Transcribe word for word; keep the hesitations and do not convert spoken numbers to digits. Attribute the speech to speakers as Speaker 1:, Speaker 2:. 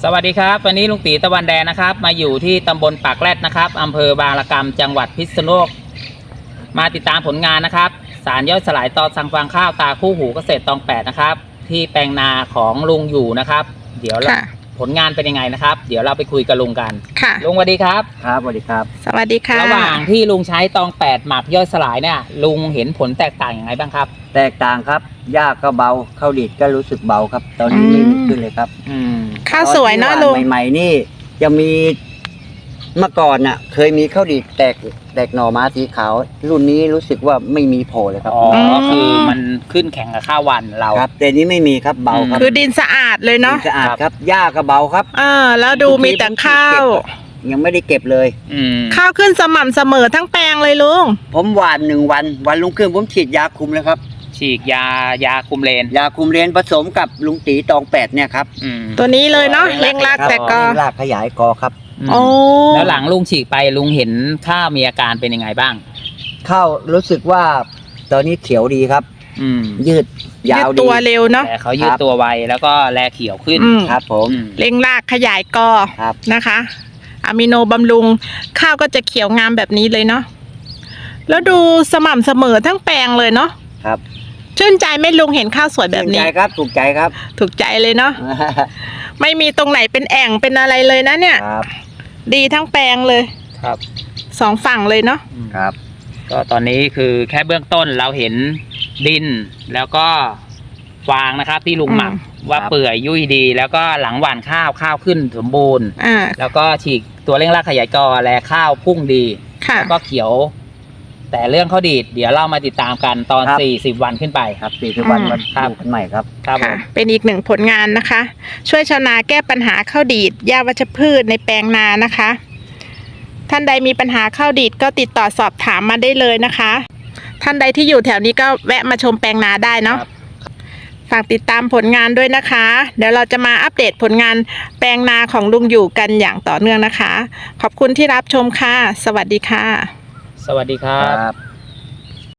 Speaker 1: วัสดีครับวันนี้ลุงตีตะวันแดงนะครับมาอยู่ที่ตำบลปากแรดนะครับอำเภอบางระกำจังหวัดพิษณุโลกมาติดตามผลงานนะครับสารย่อยสลายต่อสั่งฟางข้าวตาคู่หูเกษตรตองแปดนะครับที่แปลงนาของลุงอยู่นะครับเดี๋ยวผลงานเป็นยังไงนะครับเดี๋ยวเราไปคุยกับลุงกันค่ะลุงสวัสดีครับครับสวัสดีครับ
Speaker 2: สวัสดีค่ะ
Speaker 1: ระหว่างที่ลุงใช้ตองแปดหมักย่อยสลายเนี่ยลุงเห็นผลแตกต่างอย่างไรบ้างครับ
Speaker 3: แตกต่างครับหญ้าก็เบาข้าวดีดก็รู้สึกเบาครับตอนนี้ไม่ขึ้นเลยครับ
Speaker 2: ข้าวสวยเนาะลุง
Speaker 3: ใหม่ๆนี่จะมีเมื่อก่อนน่ะเคยมีข้าวดีดแตกแตกหน่อม้าสีขาวรุ่นนี้รู้สึกว่าไม่มีโผล่เลยครับ
Speaker 1: อ๋อคือมันขึ้นแข่งกับข้าววันเรา
Speaker 3: ครับแต่นี้ไม่มีครับเบาครับ
Speaker 2: คือดินสะอาดเลยเนาะ
Speaker 3: ดินสะอาดครับหญ้าก็เบาครับ
Speaker 2: อ่าแล้วดูมีแต่ข้าว
Speaker 3: ยังไม่ได้เก็บเลย
Speaker 2: ข้าวขึ้นสม่ำเสมอทั้งแปลงเลยลุง
Speaker 3: ผมหว่านหนึ่งวันวันลุงขึ้นผมฉีดยาคุมเลยครับ
Speaker 1: ฉีดยายาคุมเลน
Speaker 3: ยาคุมเลนผสมกับลุงตีตองแปดเนี่ยครับ
Speaker 2: ตัวนี้เลยเนาะเร่งรากแต่กอ
Speaker 3: รากขยายกอครับ
Speaker 2: โอ้
Speaker 1: แล้วหลังลุงฉีดไปลุงเห็นข้าวมีอาการเป็นยังไงบ้าง
Speaker 3: ข้าวรู้สึกว่าตอนนี้เขียวดีครับ
Speaker 1: อืม
Speaker 3: ยืดยาวดี
Speaker 2: ตัวเร็วเนาะ
Speaker 1: แต่เขายืดตัวไวแล้วก็แลเขียวขึ้น
Speaker 3: ครับผม
Speaker 2: เร่งรากขยายกอนะคะอะมิโนบำรุงข้าวก็จะเขียวงามแบบนี้เลยเนาะแล้วดูสม่ำเสมอทั้งแปลงเลยเนาะ
Speaker 3: ครับ
Speaker 2: ชื่นใจไม่ลุงเห็นข้าวสวยแบบนี้
Speaker 3: ถูกใจครับถูกใจครับ
Speaker 2: ถูกใจเลยเนาะ ไม่มีตรงไหนเป็นแอ่งเป็นอะไรเลยนะเนี่ยดีทั้งแปลงเลย
Speaker 1: ครับ
Speaker 2: สองฝั่งเลยเนาะ
Speaker 3: ครับ
Speaker 1: ก็ตอนนี้คือแค่เบื้องต้นเราเห็นดินแล้วก็ฟางนะครับที่ลุงหมักว่าเปื่อยยุ่ยดีแล้วก็หลังหว่านข้าวข้าวขึ้นสมบูรณ์แล้วก็ฉีกตัวเร่งรากขยายกอแลข้าวพุ่งดีแล้วก็เขียวแต่เรื่องข้าวดีดเดี๋ยวเรามาติดตามกันตอนสี่สิบวันขึ้นไป
Speaker 3: ครับสี่สิบวันวันข้าวกันใหม่ครับ
Speaker 2: ครับเป็นอีกหนึ่งผลงานนะคะช่วยชาวนาแก้ปัญหาข้าวดีดหญ้าวัชพืชในแปลงนานะคะท่านใดมีปัญหาข้าวดีดก็ติดต่อสอบถามมาได้เลยนะคะท่านใดที่อยู่แถวนี้ก็แวะมาชมแปลงนาได้เนาะฝากติดตามผลงานด้วยนะคะเดี๋ยวเราจะมาอัปเดตผลงานแปลงนาของลุงอยู่กันอย่างต่อเนื่องนะคะขอบคุณที่รับชมค่ะสวัสดีค่ะ
Speaker 1: สวัสดีครับ